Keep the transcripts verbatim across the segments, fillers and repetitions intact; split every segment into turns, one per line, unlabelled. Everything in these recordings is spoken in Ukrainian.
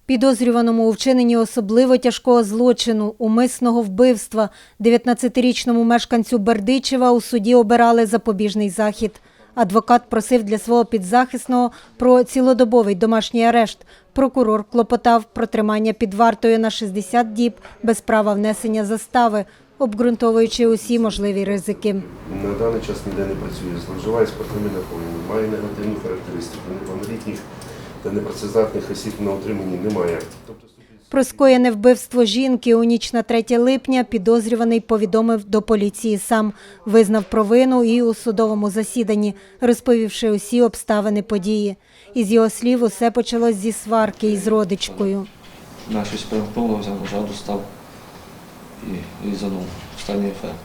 Підозрюваному у вчиненні особливо тяжкого злочину – умисного вбивства дев'ятнадцятирічному мешканцю Бердичева у суді обирали запобіжний захід. Адвокат просив для свого підзахисного про цілодобовий домашній арешт. Прокурор клопотав про тримання під вартою на шістдесят діб без права внесення застави, обґрунтовуючи усі можливі ризики.
На даний час ніде не працює, зловживає спиртними напоями, має негативну характеристику, неповнолітніх та непрацездатних осіб на утриманні немає.
Про скоєне вбивство жінки у ніч на третє липня підозрюваний повідомив до поліції сам, визнав провину і у судовому засіданні, розповівши усі обставини події. Із його слів, усе почалось зі сварки із родичкою.
На щось перепало, взяв ножа, достав і різанув. Останній ефект.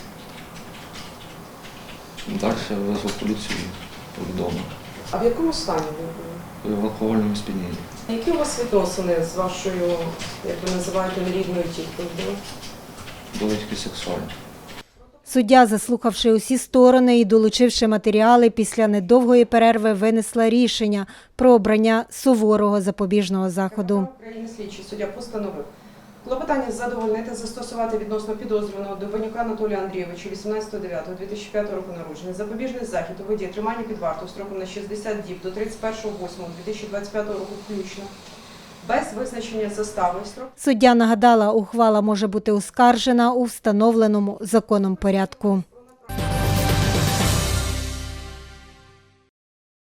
Далі я визвав поліцію і повідомив.
А в якому стані ви були?
В алкогольному сп'янінні.
Які у вас відносини з вашою, як ви називаєте, нерідною тіткою були?
Були тільки сексуальні.
Суддя, заслухавши усі сторони і долучивши матеріали, після недовгої перерви винесла рішення про обрання суворого запобіжного заходу.
України слідчий суддя постановив клопотання задовольнити, застосувати відносно підозрюваного Довбанюка Анатолія Андрійовича вісімнадцятого дев'ятого дві тисячі п'ятого року народження запобіжний захід у виді тримання під вартою строком на шістдесят діб до тридцять першого восьмого дві тисячі двадцять п'ятого року включно, без визначення застави.
Суддя нагадала, ухвала може бути оскаржена у встановленому законом порядку.